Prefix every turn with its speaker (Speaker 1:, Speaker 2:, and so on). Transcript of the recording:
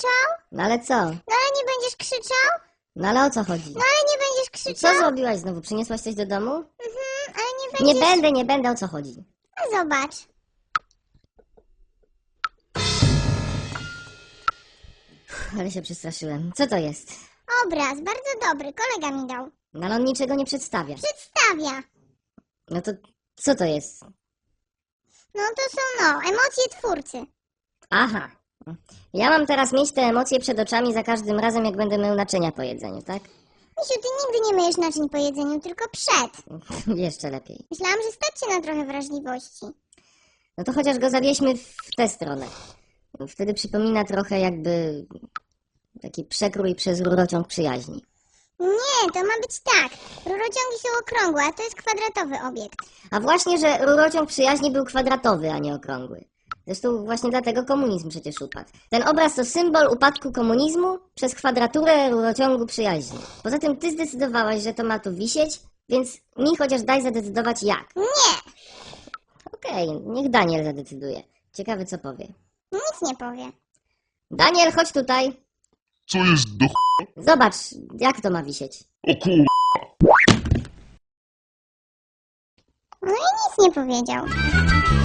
Speaker 1: krzyczał?
Speaker 2: No ale co?
Speaker 1: No ale nie będziesz krzyczał?
Speaker 2: No ale o co chodzi?
Speaker 1: No ale nie będziesz krzyczał?
Speaker 2: Co zrobiłaś znowu? Przyniosłaś coś do domu?
Speaker 1: Ale nie będziesz...
Speaker 2: Nie będę, o co chodzi?
Speaker 1: No zobacz.
Speaker 2: Ale się przestraszyłem. Co to jest?
Speaker 1: Obraz, bardzo dobry, kolega mi dał.
Speaker 2: No ale on niczego nie przedstawia.
Speaker 1: Przedstawia.
Speaker 2: No to co to jest?
Speaker 1: No to są, emocje twórcy.
Speaker 2: Aha. Ja mam teraz mieć te emocje przed oczami za każdym razem, jak będę mył naczynia po jedzeniu, tak?
Speaker 1: Misiu, ty nigdy nie myjesz naczyń po jedzeniu, tylko przed.
Speaker 2: Jeszcze lepiej.
Speaker 1: Myślałam, że stać cię na trochę wrażliwości.
Speaker 2: No to chociaż go zawieźmy w tę stronę. Wtedy przypomina trochę jakby taki przekrój przez rurociąg przyjaźni.
Speaker 1: Nie, to ma być tak. Rurociągi są okrągłe, a to jest kwadratowy obiekt.
Speaker 2: A właśnie, że rurociąg przyjaźni był kwadratowy, a nie okrągły. Zresztą właśnie dlatego komunizm przecież upadł. Ten obraz to symbol upadku komunizmu przez kwadraturę rurociągu przyjaźni. Poza tym ty zdecydowałaś, że to ma tu wisieć, więc mi chociaż daj zadecydować jak.
Speaker 1: Nie,
Speaker 2: Okej, niech Daniel zadecyduje. Ciekawe co powie.
Speaker 1: nic nie powie.
Speaker 2: Daniel, chodź tutaj.
Speaker 3: Co jest do
Speaker 2: Zobacz, jak to ma wisieć.
Speaker 3: O kur...
Speaker 1: No i nic nie powiedział.